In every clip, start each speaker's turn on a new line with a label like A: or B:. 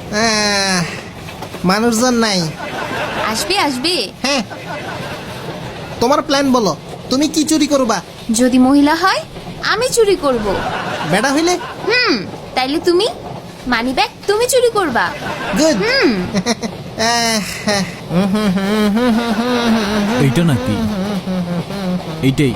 A: মানুষজন নাই।
B: আসবে আসবে।
A: হ্যাঁ, তোমার প্ল্যান বলো, তুমি কি চুরি করবা?
B: যদি মহিলা হয় আমি চুরি করব।
A: বেটা হইলে?
B: তাইলে তুমি মানি ব্যাগ তুমি চুরি করবা।
A: গুড।
C: এইটা নাকি? এইটাই।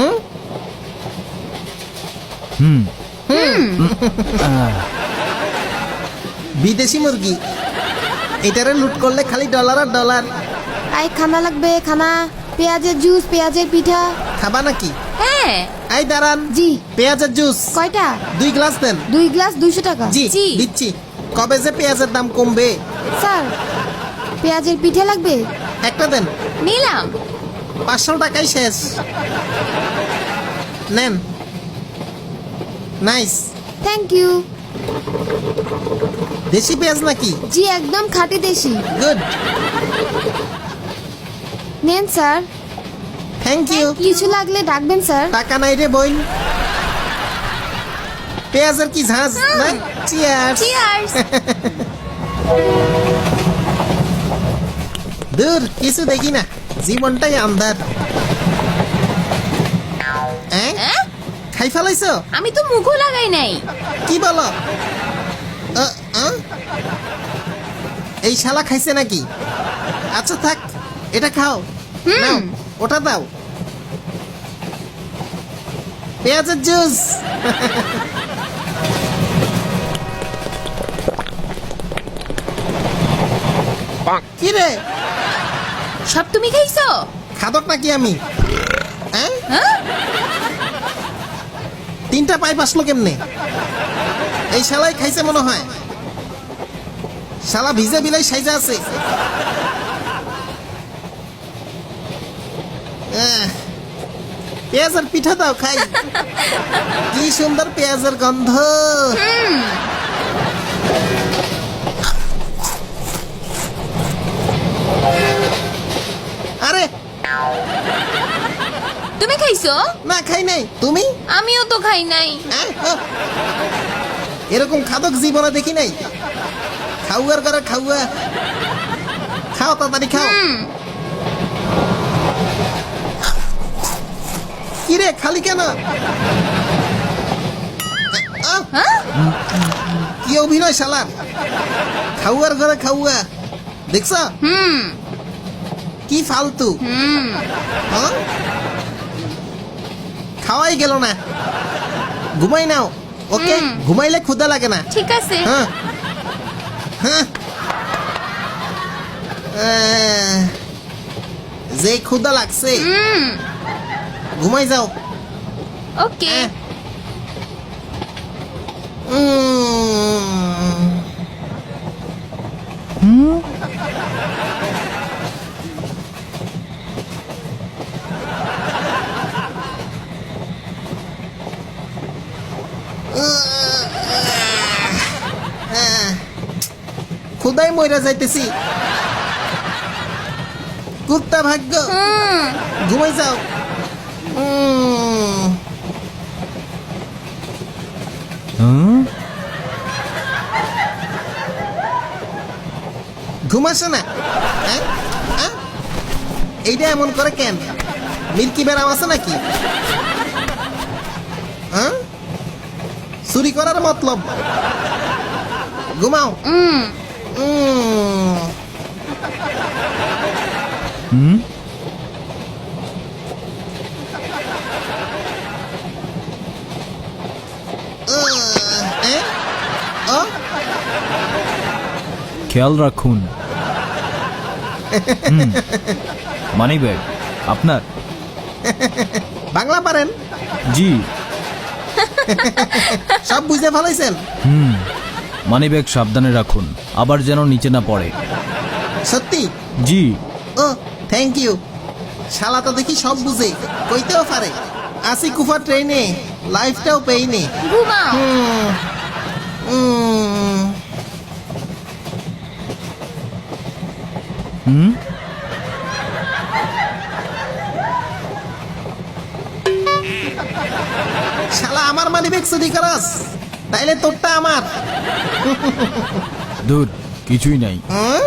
A: বিদেশি মুরগি, এটারে লুট করলে খালি ডলার আর ডলার।
D: আই খানা লাগবে, খানা। পেঁয়াজের জুস, পেঁয়াজের পিঠা।
A: খাবা নাকি?
B: হ্যাঁ।
A: এই দাঁড়ান।
D: জি।
A: পেঁয়াজের জুস
D: কয়টা?
A: 2 গ্লাস দেন।
D: 2 গ্লাস 200 টাকা।
A: জি
B: জি।
A: দিচ্ছি। কবে যে পেঁয়াজের দাম কমবে?
D: স্যার, পেঁয়াজের পিঠা লাগবে?
A: একটা দেন।
B: নিলাম।
A: 500 টাকাই শেষ। নেন। নাইস।
D: Thank you.
A: দেশি পেঁয়াজ নাকি?
D: জি, একদম খাঁটি দেশি।
A: গুড।
D: নেন স্যার।
A: Thank you.
D: কিছু লাগলে ডাকবেন স্যার।
A: টাকা নাই রে বোন। পেঁয়াজের কি ঝাঁজ না? চিয়ার্স।
B: চিয়ার্স।
A: দূর, কিছু দেখি না, জীবনটাই আন্ধার। খাই ফেলাইছো?
B: আমি তো মুখও লাগাই নাই।
A: কি বলো? এই শালা খাইছে নাকি? আচ্ছা থাক, এটা খাও। নাও, ওটা দাও। পেঁয়াজের জুস। কি রে,
B: সব তুমি খাইছো?
A: খাদক নাকি আমি? হ্যাঁ,
B: হ্যাঁ?
A: 3টা পাইপ আসলো কেমনে? এই শালাই খাইছে মনে হয়। শালা ভিজে বিলাই সাইজা আছে। পেঁয়াজের পিঠা দাও খাই। কি সুন্দর পেঁয়াজের গন্ধ। আরে
B: তুমি খাইছো?
A: না, খাই নাই। তুমি?
B: আমিও তো খাই নাই।
A: এরকম খাদক জীবনে দেখি নাই। খাওয়ার করে খাওয়া। খাও, তাড়াতাড়ি খাও। কি রে, খালি কেন? কি অভিনয় শালার। খাওয়ার ঘরে খাওয়া, দেখছ? কি ফালতু। হ্যাঁ? খাওয়াই গেল না। ঘুমাই নাও, ওকে? ঘুমাইলে ক্ষুধা লাগে না।
B: ঠিক আছে।
A: হ্যাঁ, হ্যাঁ। যে ক্ষুধা লাগছে, ঘুমাই যাও।
B: ওকে।
A: ক্ষুদাই মইরা যাইতেছি। কুত্তা ভাগ্য। ঘুমাই যাও। ঘুমাস না? এইটা এমন করে কেন? মিল্কি বেরাম আছে নাকি? চুরি করার মতলব। ঘুমাও।
C: খেয়াল রাখুন। মানি ব্যাগ আপনার?
A: বাংলা পারেন?
C: জি।
A: সব বুঝে ফেলাইছেন?
C: মানি ব্যাগ সাবধানে রাখুন, আবার যেন নিচে না পড়ে।
A: সত্যি?
C: জি।
A: ও, থ্যাংক ইউ। শালা তো দেখি সব বুঝে, কইতেও পারে। আসি কুফা ট্রেনে, লাইফটাও পেইনে।
B: ঘুমাও।
A: শালা আমার মানি ব্যাগ চুরি করাস? তাইলে তোরটা আমার।
C: দূর কিছুই নাই।
A: হুম?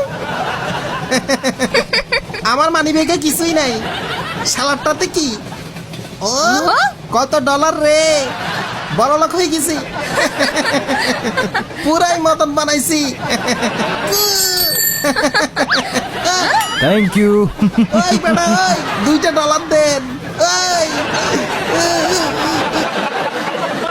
A: আমার মানি ব্যাগে কিছুই নাই, শালারটাতে কি? ও কত ডলার রে, বড় লোক হয়ে গেছি। পুরাই মতন বানাইছি।
C: Thank you.
A: ওই বেটা ওই, $2 দেন।